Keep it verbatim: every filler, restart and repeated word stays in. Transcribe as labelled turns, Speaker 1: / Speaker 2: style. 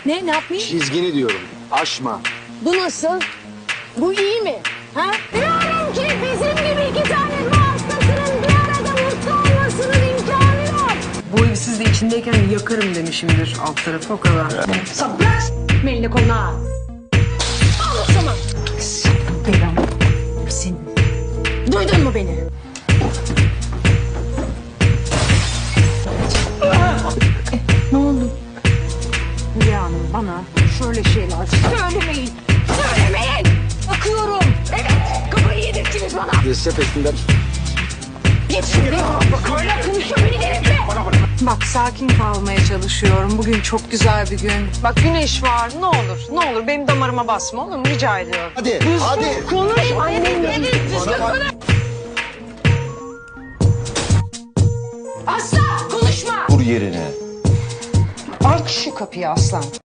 Speaker 1: Ne? Ne yapmayayım?
Speaker 2: Çizgini diyorum. Aşma.
Speaker 1: Bu nasıl? Bu iyi mi? Ha? Diyorum ki bizim gibi iki tane ruh hastasının bir arada mutlu olmasının imkanı yok.
Speaker 3: Bu evi siz de içindeyken yakarım demişimdir alt tarafı o kadar.
Speaker 1: Sabras! Melini koluna al. Al o zaman. Belam. Senin. Duydun mu beni? Ne oldu? Hülya Hanım bana şöyle şeyler söylemeyin. Söylemeyin. Bakıyorum. Evet. Kafayı yedirdiniz bana.
Speaker 2: Reset ettiler.
Speaker 1: Git şimdi. Hala konuşuyor beni delirtme.
Speaker 3: Bak sakin kalmaya çalışıyorum. Bugün çok güzel bir gün. Bak güneş var. Ne olur, ne olur benim damarıma basma olur mu? Rica ediyorum.
Speaker 2: Hadi, hadi.
Speaker 1: Konuş annemle. Düzgün konuş. Asla konuşma.
Speaker 2: Dur yerine.
Speaker 3: Aç şu kapıyı aslan.